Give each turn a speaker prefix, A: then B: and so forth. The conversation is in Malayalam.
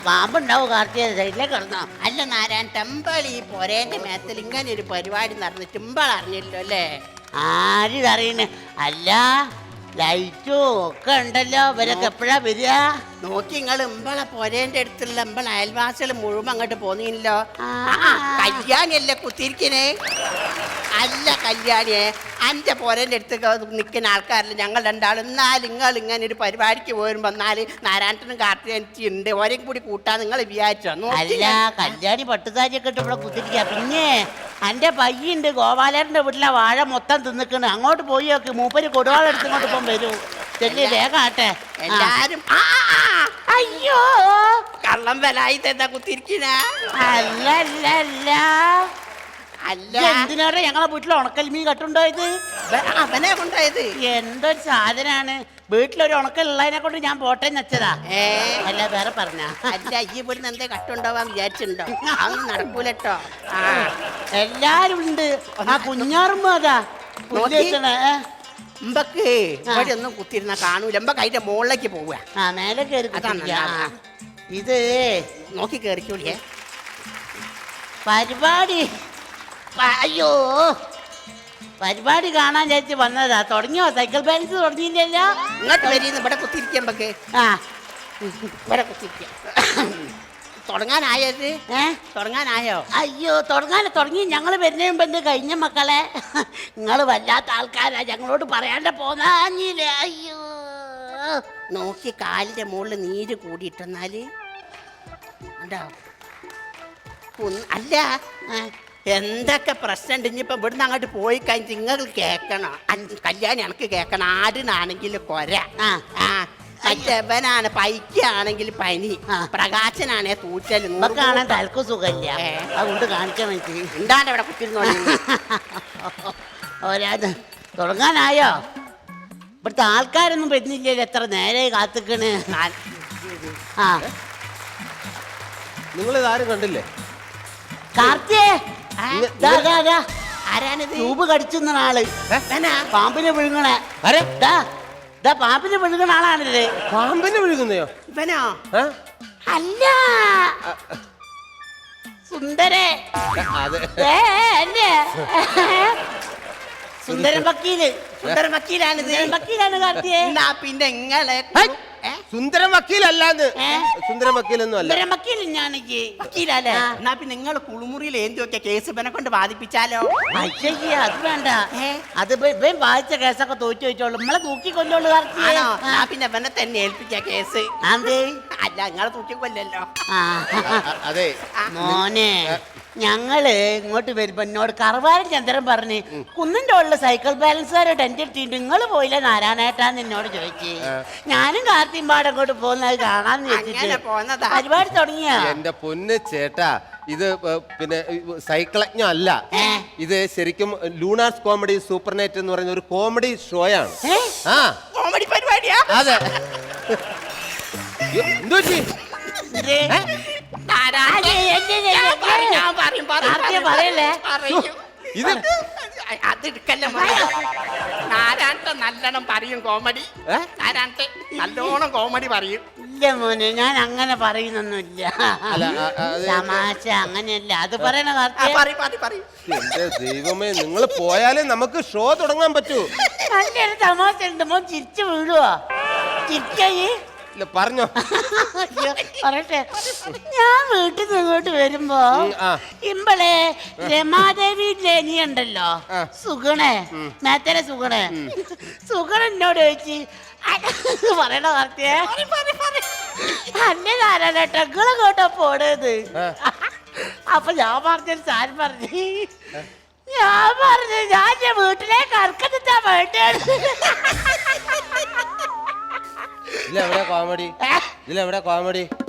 A: പാമ്പുണ്ടാവും കാർത്തിക സൈഡിലേക്ക് കിടന്നോ?
B: അല്ല നാരായൺ ടെമ്പിൾ ഈ പൊരേന്റെ മേത്തിൽ ഇങ്ങനെ ഒരു പരിപാടി നടന്നു ടെമ്പിൾ അറിഞ്ഞില്ലോ അല്ലേ?
A: ആരിതറിയണേ? അല്ല ലൈറ്റും ഒക്കെ ഉണ്ടല്ലോ. ഇവരൊക്കെ എപ്പോഴാ വരിക?
B: നോക്കി നിങ്ങൾ ഇമ്പളെ പൊരേന്റെ അടുത്തുള്ള ഇമ്പളെ അയൽവാസികൾ മുഴുവൻ അങ്ങോട്ട് പോന്നില്ലോ. കല്യാണിയല്ലേ കുത്തിരിക്കണേ? അല്ല കല്യാണിയെ എൻ്റെ പൊരേന്റെ അടുത്ത് നിൽക്കുന്ന ആൾക്കാരില്ല ഞങ്ങൾ രണ്ടാളും. എന്നാൽ നിങ്ങൾ ഇങ്ങനെ ഒരു പരിപാടിക്ക് പോരുമ്പോ എന്നാല് നാരായണനും കാർത്തികനുണ്ട് ഒരേം കൂടി കൂട്ടാൻ നിങ്ങൾ വിചാരിച്ചോ?
A: അല്ല കല്യാണി പട്ടുസാരിയൊക്കെ ഇട്ട് ഇവിടെ കുത്തിരിക്ക. പിന്നെ എൻ്റെ പയ്യുണ്ട് ഗോപാലന്റെ വീട്ടിലെ വാഴ മൊത്തം തിന്നിക്കണ്. അങ്ങോട്ട് പോയി നോക്ക്, മൂപ്പര് കൊടുവാളെടുത്ത് ഇങ്ങോട്ട് ഇപ്പം വരൂ. ചെല്ലി വേഗം ആട്ടെ
B: എല്ലാരും.
A: അയ്യോ
B: കള്ളം വലായി എന്താ കുത്തിരിക്കണ?
A: അല്ല അല്ല അല്ല അല്ല എന്തിനാണ് ഞങ്ങളെ വീട്ടിൽ ഉണക്കൽ മീൻ കട്ടുണ്ടായത്?
B: അവനെ കൊണ്ടായത്
A: എന്തൊരു സാധനാണ്. വീട്ടിലൊരു ഉണക്കലുള്ളതിനെ കൊണ്ട് ഞാൻ പോട്ടെ വെച്ചതാ. അല്ല വേറെ പറഞ്ഞ
B: അല്ല ഈ ഇവിടുന്ന് എന്തേ കട്ടുണ്ടാവാൻ വിചാരിച്ചിട്ടുണ്ടോ? അതൊന്നും നടക്കൂലട്ടോ.
A: എല്ലാരും ഉണ്ട്. ആ കുഞ്ഞാറുമ്പോ അതാ
B: ഇമ്പക്ക് ഇവിടെ ഒന്നും കുത്തിരുന്ന കാണൂല. ഇമ്പക്ക് അതിന്റെ മുകളിലേക്ക് പോവുക.
A: ആ മേലെ കയറി. ഇത്
B: നോക്കി കയറിക്കൂടിയേ
A: പരിപാടി. അയ്യോ പരിപാടി കാണാൻ ചേച്ചി വന്നതാ. തുടങ്ങിയോ? സൈക്കിൾ ബാലൻസ് തുടങ്ങിയില്ലല്ലോ.
B: ഇങ്ങോട്ട് വരീന്ന് ഇവിടെ കുത്തിരിക്കുമ്പക്ക്.
A: ആ
B: ഇവിടെ കുത്തിരിക്ക. തുടങ്ങാനായത്? തുടങ്ങാനായോ?
A: അയ്യോ തുടങ്ങി. ഞങ്ങൾ വരുന്നതിന് മുമ്പ് എന്ത് കഴിഞ്ഞ മക്കളെ? നിങ്ങൾ വല്ലാത്ത ആൾക്കാരാ, ഞങ്ങളോട് പറയാണ്ട് പോന്നാഞ്ഞില്ലേ? അയ്യോ
B: നോക്കി കാലിന്റെ മുകളിൽ നീര് കൂടിയിട്ടെന്നാല് ഉണ്ടോ? അല്ല എന്തൊക്കെ പ്രശ്നമുണ്ട്. ഇനിയിപ്പം ഇവിടുന്ന് അങ്ങോട്ട് പോയി കഴിഞ്ഞ് നിങ്ങൾ കേൾക്കണം. കല്യാണി എനിക്ക് കേൾക്കണം. ആടിനാണെങ്കിൽ കൊര, മറ്റവനാണ് പൈക്കാണെങ്കിൽ പനി, പ്രകാശനാണെ തൂറ്റൽ.
A: കാണാൻ തലക്ക് സുഖമില്ല, അതുകൊണ്ട് കാണിക്കണം.
B: ഉണ്ടാണ്ട് ഇവിടെ കുത്തിരുന്നോളൂ.
A: ഓരാത് തുടങ്ങാനായോ? ഇവിടുത്തെ ആൾക്കാരൊന്നും വരുന്നില്ലല്ലോ. എത്ര നേരെ കാത്തിക്കണ്. ആ
C: നിങ്ങളിതാരും കണ്ടില്ലേ?
A: കാർത്തിയേ
B: ആരാണിത്?
A: ട്യൂബ് കടിച്ചുന്ന ആള്, പാമ്പിനെ വിഴുങ്ങണേ. പാമ്പിനെ വിഴുങ്ങണ ആളാണിത്.
C: പാമ്പിനെ വിഴുകുന്നയോ?
B: ഇവനോ?
A: അല്ല സുന്ദരേ. സുന്ദരൻ വക്കീല്.
B: സുന്ദരൻ വക്കീലാണിത്.
A: വക്കീലാണ് കാർത്തിയേ.
B: പിന്നെ ഇങ്ങളെ
C: സുന്ദരൻ വക്കീലല്ലാന്ന്. സുന്ദരൻ വക്കീലൊന്നും അല്ല.
A: സുന്ദരൻ വക്കീൽ
B: വക്കീലല്ലേ? എന്നാ പിന്നെ നിങ്ങൾ കുളിമുറിയിൽ എന്തി നോക്കിയ കേസ് ഇവനെ കൊണ്ട് വാദിപ്പിച്ചാലോ?
A: അയ്യേ അത് വേണ്ട. അത് വായിച്ച കേസൊക്കെ തോറ്റു വെച്ചോളൂ. നമ്മളെ തൂക്കിക്കൊല്ലോളൂ.
B: പിന്നെ ഇവനെ തന്നെ ഏൽപ്പിച്ച കേസ്. അല്ല നിങ്ങളെ തൂക്കിക്കൊല്ലല്ലോ.
C: അതെ
A: മോനെ ഞങ്ങള് ഇങ്ങോട്ട് വരുമ്പോ എന്നോട് കറവാരൻ ചന്ദ്രൻ പറഞ്ഞ് കുന്നിന്റെ ഉള്ള സൈക്കിൾ ബാലൻസുകാരെ ടെന്റ് ഇട്ടിട്ട് നിങ്ങൾ പോയില്ല നാരായണേട്ടാന്ന് എന്നോട് ചോദിച്ചു. ഞാനും കാർത്തിമ്പാട് അങ്ങോട്ട് പോകുന്നത് കാണാന്ന് വെച്ചിട്ട് പരിപാടി തുടങ്ങിയ.
C: എന്റെ പൊന്ന് ചേട്ടാ, ഇത് പിന്നെ സൈക്കിളജ്ഞം അല്ല. ഇത് ശരിക്കും ലൂണാർസ് കോമഡി സൂപ്പർ നൈറ്റ് എന്ന് പറയുന്ന ഒരു കോമഡി ഷോയാണ്.
B: കോമഡി പരിപാടിയാ?
C: അതെ. എന്തോ
B: ഇത് അതെടുക്കല്ലേ നാരായണ നല്ലോണം പറയും കോമഡി. നാരായണ നല്ലോണം കോമഡി പറയും.
A: ഇല്ല മോനെ ഞാൻ അങ്ങനെ പറയുന്നൊന്നുമില്ല. തമാശ അങ്ങനെയല്ല അത് പറയണ.
C: എന്റെ ദൈവമേ, നിങ്ങൾ പോയാലേ നമുക്ക് ഷോ തുടങ്ങാൻ പറ്റൂ.
A: നല്ലൊരു തമാശ ഉണ്ട്. മോൻ ചിരിച്ചു വീഴുവോ? ചിരിക്കേ
C: പറഞ്ഞോ.
A: പറയട്ടെ. ഞാൻ വീട്ടിൽ നിന്ന് ഇങ്ങോട്ട് വരുമ്പോ ഇമ്പളെ രമാദേവി ലേനി ഉണ്ടല്ലോ, സുഗണേ മേത്തര സുഗണേ എന്നോട് ചോദിച്ച് പറയണ വാർത്തയെ അന്നെ നാരായണേട്ടങ്ങളെ കേട്ടോ പോണത്. അപ്പൊ ഞാൻ പറഞ്ഞൊരു സാധനം പറഞ്ഞു. ഞാൻ വീട്ടിലേക്ക് അർക്കത്താ വേണ്ടത്.
C: ഇതിലെവിടെ കോമഡി?